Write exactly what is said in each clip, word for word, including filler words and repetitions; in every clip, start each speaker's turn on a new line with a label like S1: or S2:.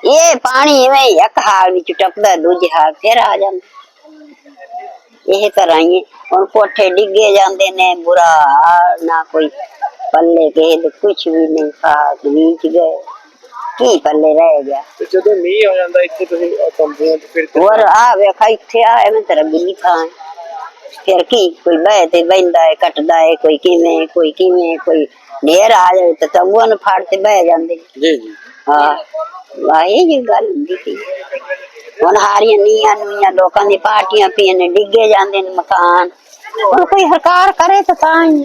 S1: ये पानी इवें एक हाल विच टपदा दूजे हाल फिर आ जांदा। यह तरह ही हुण कोठे डिगे जांदे ने, बुरा हाल, ना कोई पल्ले के कुछ भी नहीं, खास बीच गए की पल्ले रह गया।
S2: ते जदों मींह आ जांदा इत्थे तुसीं तंबूआं च फिर
S1: और आ वेखा इत्थे आ मैं तेरा बिल्ली थां फिर की कोई बह ते बहिंदा है कटदा है, कोई किवें कोई किवें, कोई ढेर आ जाए तो तंबूआं नूं फाड़ ते बह जांदे।
S2: जी जी
S1: हाँ वाही जी गल हुंदी सी। हुण हारियां नीआं नूइयां लोकां दी पार्टियां पियां ने, डिगे जांदे ने मकान। हुण कोई सरकार करे तो तां ही।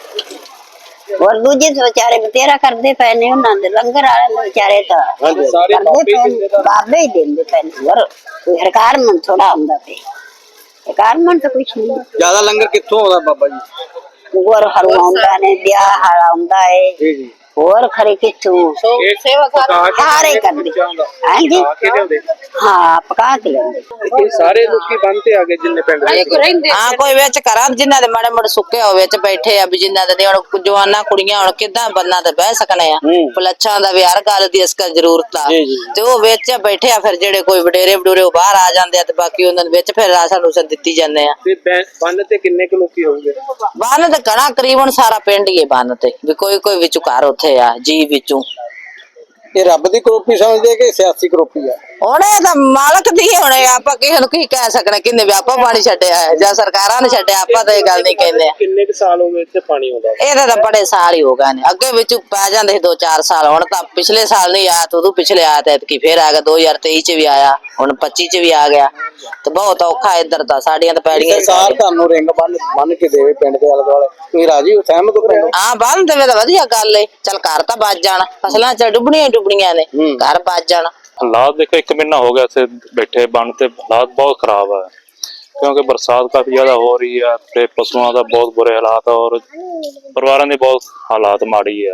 S1: और दूजे तो बेचारे बतेरा करते पे ने, उन्होंने लंगर वाले बेचारे तो करते पे, बाबे ही देंदे पे ने। और कोई सरकार मन थोड़ा आंदा पे, सरकार मन तो कुछ नहीं।
S2: ज्यादा लंगर कित्थों आउंदा बाबा जी?
S1: और हरु आउंदा ने, ब्याह हाल आउंदा है।
S2: जी जी
S1: और खरे किथों सेवा सारे करदे। हां जी हां पका के लेंदे।
S2: ये सारे लोकी बनते आ गए जिन्ने पिंड दे।
S3: हां कोई विच करा जिन्ना दे माड़े मोड़े सुक्के हो विच बैठे आ, भी जिन्ना दे हुण जवाना कुड़ियां हुण किदां बन्ना ते बह सकने आ। पलच्छां दा भी हर गल दी इसका जरूरत आ ते ओ विच बैठे आ। फिर जेड़े कोई वडेरे वडूरे बाहर आ जांदे आ ते बाकी उन्हां दे विच फिर राशन रूसन दित्ती जांदे आ।
S2: ते बन ते किन्ने क लोकी होंगे?
S3: बन ते घणा करीबन सारा पिंड ही है बन ते, भी कोई कोई विचों घर उत्थे आ जी विचों।
S2: ये रब दी करोपी समझदे कि सियासी करोपी आ?
S3: हुण इह तां मालक दी हुण आपां किसे नूं की कह सकने किन्ने भी आपा पानी छड्डिया है जां सरकारां ने छड्डिया, आपां तां इह गल नहीं कहंदे।
S2: किन्ने क साल हो गए इत्थे पानी आउंदा?
S3: ਇਹਦਾ ਤਾਂ ਬੜੇ ਸਾਲ ਹੀ ਹੋ ਗਏ ਨੇ, ਅੱਗੇ ਵਿੱਚ ਪੈ ਜਾਂਦੇ ਸੀ ਦੋ ਚਾਰ ਸਾਲ। ਹੁਣ ਤਾਂ ਪਿਛਲੇ ਸਾਲ ਨਹੀਂ ਆਇਆ, ਉਦੋਂ ਪਿਛਲੇ ਆਇਆ ਤੇ ਐਤਕੀ ਫੇਰ ਆ ਗਿਆ। ਦੋ ਹਜ਼ਾਰ ਤੇਈ ਚ ਵੀ ਆਇਆ, ਹੁਣ ਪੱਚੀ ਚ ਵੀ ਆ ਗਿਆ ਤੇ ਬਹੁਤ ਔਖਾ ਇੱਧਰ ਤਾਂ ਸਾਡੀਆਂ ਤਾਂ ਪੈੜੀਆਂ।
S2: ਸਰਕਾਰ ਤੁਹਾਨੂੰ ਰਿੰਗ ਬੰਨ ਬੰਨ ਕੇ ਦੇਵੇ ਪਿੰਡ ਦੇ ਆਲੇ ਦੁਆਲੇ, ਤੁਸੀਂ ਰਾਜੀ ਹੋ, ਸਹਿਮਤ ਹੋ?
S3: ਹਾਂ ਬੰਨ ਦੇਵੇ ਤਾਂ ਵਧੀਆ ਗੱਲ ਏ, ਚੱਲ ਘਰ ਤਾਂ ਬਚ ਜਾਣ। ਫਸਲਾਂ ਚ ਡੁੱਬਣੀਆਂ ਡੁੱਬਣੀਆਂ ਨੇ, ਘਰ ਬਚ ਜਾਣ।
S4: हालात देखो एक महीना हो गया इसे बैठे बन ते, हालात बहुत खराब है क्योंकि बरसात काफी ज्यादा हो रही है ते पशुओं का बहुत बुरे हालात है और परिवारों की बहुत हालात माड़ी है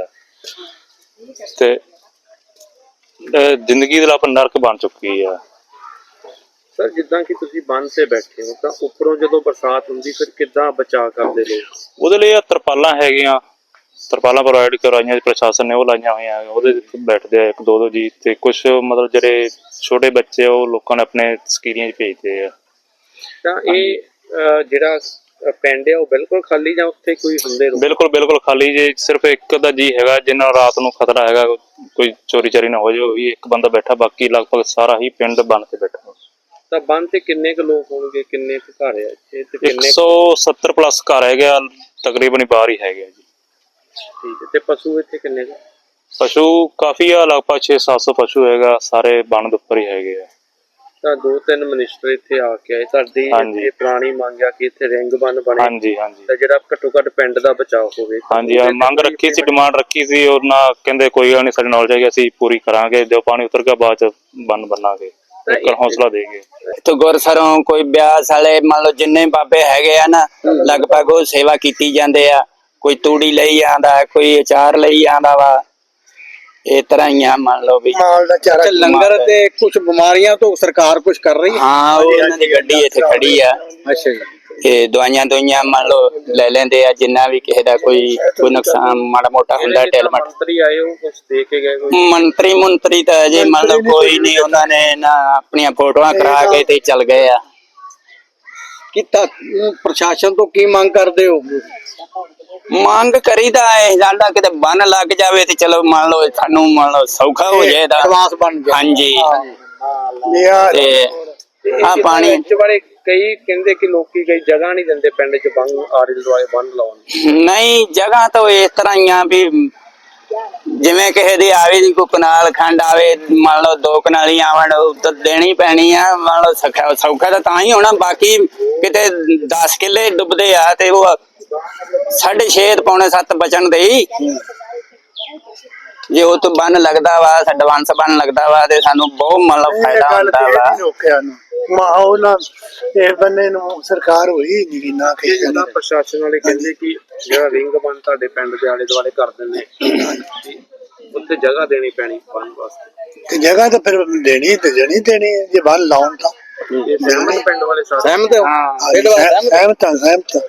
S4: ते जिंदगी दे लाप नरक बन चुकी है।
S2: सर जिद्दां कि तुसीं बन ते बैठे हो तां उपरों जदों बरसात हुंदी फिर किद्दां बचाव करदे लोग?
S4: ਉਹਦੇ ਲਈ ਤਰਪਾਲਾਂ ਹੈਗੀਆਂ, ਤਰਪਾਲਾਂ ਪ੍ਰੋਵਾਈਡ ਕਰਵਾਈਆਂ ਪ੍ਰਸ਼ਾਸਨ ਨੇ, ਉਹ ਲਾਈਆਂ ਹੋਈਆਂ। ਉਹਦੇ ਬੈਠਦੇ ਆ ਇੱਕ ਦੋ ਦੋ ਜੀ ਤੇ ਕੁਝ ਮਤਲਬ ਜਿਹੜੇ ਛੋਟੇ ਬੱਚੇ ਉਹ ਲੋਕਾਂ ਨੇ ਆਪਣੇ ਸਕੀਰੀਆਂ 'ਚ ਭੇਜਦੇ ਆ।
S2: ਤਾਂ ਇਹ ਜਿਹੜਾ ਪਿੰਡ ਆ ਉਹ ਬਿਲਕੁਲ ਖਾਲੀ ਜਾਂ ਉੱਥੇ ਕੋਈ ਹੁੰਦੇ?
S4: ਬਿਲਕੁਲ ਬਿਲਕੁਲ ਖਾਲੀ ਜੇ, ਸਿਰਫ ਇੱਕ ਦਾ ਜੀ ਹੈਗਾ ਜਿੰਨਾ ਰਾਤ ਨੂੰ ਖਤਰਾ ਹੈਗਾ ਕੋਈ ਚੋਰੀ ਚਾਰੀ ਨਾ ਹੋ ਜਾਵੇ, ਉਹ ਵੀ ਇੱਕ ਬੰਦਾ ਬੈਠਾ, ਬਾਕੀ ਲਗਭਗ ਸਾਰਾ ਹੀ ਪਿੰਡ ਬਣ ਤੇ ਬੈਠਾ।
S2: ਤਾਂ ਬੰਨ ਤੇ ਕਿੰਨੇ ਕੁ ਲੋਕ ਹੋਣਗੇ, ਕਿੰਨੇ ਕੁ ਘਰ ਆ ਇੱਥੇ ਤੇ ਕਿੰਨੇ?
S4: ਇੱਕ ਸੌ ਸੱਤਰ ਪਲੱਸ ਘਰ ਹੈਗੇ ਆ, ਤਕਰੀਬਨ ਬਾਹਰ ਹੀ ਹੈਗੇ ਆ ਜੀ।
S2: ਠੀਕ ਹੈ। ਤੇ ਪਸ਼ੂ ਇੱਥੇ ਕਿੰਨੇ ਕੁ?
S4: ਪਸ਼ੂ ਕਾਫੀ ਆ, ਲਗਭਗ ਛੇ ਸੱਤ ਸੌ ਪਸ਼ੂ ਹੈਗਾ, ਸਾਰੇ ਬੰਨ ਦੇ ਉੱਪਰ ਹੀ ਹੈਗੇ ਆ।
S2: ਤਾਂ ਦੋ ਤਿੰਨ ਮਿਨਿਸਟਰ ਇੱਥੇ ਆ ਕੇ ਆਏ, ਤੁਹਾਡੀ ਇਹ ਪੁਰਾਣੀ ਮੰਗ ਆ ਕਿ ਇੱਥੇ ਰਿੰਗ ਬੰਨ ਬਣੇ?
S4: ਹਾਂਜੀ ਹਾਂਜੀ।
S2: ਤਾਂ ਜਿਹੜਾ ਘੱਟੋ ਘੱਟ ਪਿੰਡ ਦਾ ਬਚਾਅ ਹੋਵੇ।
S4: ਹਾਂਜੀ ਮੰਗ ਰੱਖੀ ਸੀ, ਡਿਮਾਂਡ ਰੱਖੀ ਸੀ, ਉਹਨਾਂ ਕਹਿੰਦੇ ਕੋਈ ਗੱਲ ਨਹੀਂ, ਸਾਡੀ ਨੌਲੇਜ ਹੈਗੀ, ਅਸੀਂ ਪੂਰੀ ਕਰਾਂਗੇ, ਜੋ ਪਾਣੀ ਉਤਰ ਗਿਆ ਬਾਅਦ ਚ ਬੰਨ ਬੰਨਾਂਗੇ, ਹੌਸਲਾ ਦੇ ਗਏ।
S5: ਇੱਥੇ ਗੁਰਸਰੋਂ ਕੋਈ ਬਿਆਸ ਵਾਲੇ ਮੰਨ ਲਓ ਜਿੰਨੇ ਬਾਬੇ ਹੈਗੇ ਆ ਨਾ, ਲਗਭਗ ਉਹ ਸੇਵਾ ਕੀਤੀ ਜਾਂਦੇ ਆ। ਕੋਈ ਤੂੜੀ ਲਈ ਆਂਦਾ, ਕੋਈ ਅਚਾਰ ਲਈ ਆਂਦਾ ਵਾ, ਇਹ ਤਰ੍ਹਾਂ ਹੀ ਆ ਮੰਨ ਲਓ ਵੀ
S2: ਲੰਗਰ ਤੇ ਕੁਝ ਬਿਮਾਰੀਆਂ ਤੋਂ ਸਰਕਾਰ ਕੁਝ ਕਰ ਰਹੀ ਹੈ।
S5: ਹਾਂ ਉਹ ਇਹਨਾਂ ਦੀ ਗੱਡੀ ਇੱਥੇ ਖੜੀ ਆ।
S2: ਅੱਛਾ ਜੀ।
S5: ਤੇ ਦਵਾਈਆਂ ਦੁਈਆਂ ਮੰਨ ਲਓ ਲੈ ਲੈਂਦੇ ਆ, ਜਿੰਨਾ ਵੀ ਕਿਸੇ ਦਾ ਕੋਈ ਕੋਈ ਨੁਕਸਾਨ ਮਾੜਾ ਮੋਟਾ ਹੁੰਦਾ ਟੈਲਮਟ।
S2: ਮੰਤਰੀ ਆਏ ਉਹ ਕੁਝ ਦੇ ਕੇ ਗਏ?
S5: ਮੰਤਰੀ ਮੰਤਰੀ ਤਾਂ ਅਜੇ ਮੰਨ ਲਓ ਕੋਈ ਨਹੀਂ, ਉਹਨਾਂ ਨੇ ਨਾ ਆਪਣੀਆਂ ਫੋਟੋਆਂ ਕਰਾ ਕੇ ਤੇ ਚੱਲ ਗਏ ਆ।
S2: ਕੀਤਾ ਪ੍ਰਸ਼ਾਸਨ ਤੋਂ ਕੀ ਮੰਗ ਕਰਦੇ ਹੋ?
S5: ਮੰਗ ਕਰੀਦਾ ਇਹ ਜਾਂਦਾ ਕਿਤੇ ਬੰਨ ਲੱਗ ਜਾਵੇ ਤੇ ਚਲੋ ਮੰਨ ਲਓ ਸਾਨੂੰ ਮੰਨ ਲਓ ਸੌਖਾ ਹੋ ਜਾਏ ਤਾਂ
S2: ਐਡਵਾਂਸ ਬਣ ਜਾਏ।
S5: ਹਾਂਜੀ ਤੇ ਆ ਪਾਣੀ
S2: ਬਾਰੇ ਕਈ ਕਹਿੰਦੇ ਕਿ ਲੋਕੀ ਕਈ ਜਗ੍ਹਾ ਨਹੀਂ ਦਿੰਦੇ ਪਿੰਡ ਚ ਬੰਨ ਆਲੇ ਦੁਆਲੇ ਬੰਨ ਲਾਉਣ।
S5: ਨਹੀਂ ਜਗ੍ਹਾ ਤਾਂ ਇਸ ਤਰ੍ਹਾਂ ਹੀ ਆ ਵੀ ਜਿਵੇਂ ਕਿਸੇ ਦੀ ਆਵੇ ਦੀ ਕੋਈ ਕਨਾਲ ਖੰਡ ਆਵੇ, ਮੰਨ ਲਓ ਦੋ ਕਨਾਲੀ ਆਵਣ ਤਾਂ ਦੇਣੀ ਪੈਣੀ ਆ। ਮੰਨ ਲਓ ਸੌਖਾ ਸੌਖਾ ਤਾਂ ਤਾਂ ਹੀ ਹੋਣਾ, ਬਾਕੀ ਕਿਤੇ ਦਸ ਕਿੱਲੇ ਡੁੱਬਦੇ ਆ ਤੇ ਉਹ ਸਾਢੇ ਛੇ ਪੌਣੇ ਸੱਤ ਬਚਣ ਦੇ ਹੀ। ਜੇ ਉਹ ਤੋਂ ਬੰਨ ਲੱਗਦਾ ਵਾ, ਐਡਵਾਂਸ ਬੰਨ ਲੱਗਦਾ ਵਾ ਤੇ ਸਾਨੂੰ ਬਹੁਤ ਮਤਲਬ ਫਾਇਦਾ ਹੁੰਦਾ ਵਾ।
S6: ਮਾਹੌਲ ਨਾ ਇਹ ਬੰਨੇ ਨੂੰ ਸਰਕਾਰ ਹੋਈ ਨਹੀਂ ਨਾ ਕਿ
S2: ਜਿਹੜਾ ਪ੍ਰਸ਼ਾਸਨ ਵਾਲੇ ਕਹਿੰਦੇ ਕਿ ਜਿਹੜਾ ਰਿੰਗ ਬੰਨ ਤੁਹਾਡੇ ਪਿੰਡ ਦੇ ਆਲੇ ਦੁਆਲੇ ਕਰ ਦਿੰਦੇ, ਉੱਥੇ ਜਗ੍ਹਾ ਦੇਣੀ ਪੈਣੀ ਬੰਨ ਵਾਸਤੇ।
S6: ਤੇ ਜਗ੍ਹਾ ਤਾਂ ਫਿਰ ਦੇਣੀ ਤੇ ਜਣੀ ਦੇਣੀ ਜੇ ਬੰਨ ਲਾਉਣ ਤਾਂ
S2: ਸਹਿਮਤ ਪਿੰਡ ਵਾਲੇ ਸਾਰੇ?
S6: ਸਹਿਮਤ ਹਾਂ ਸਹਿਮਤ ਸਹਿਮਤ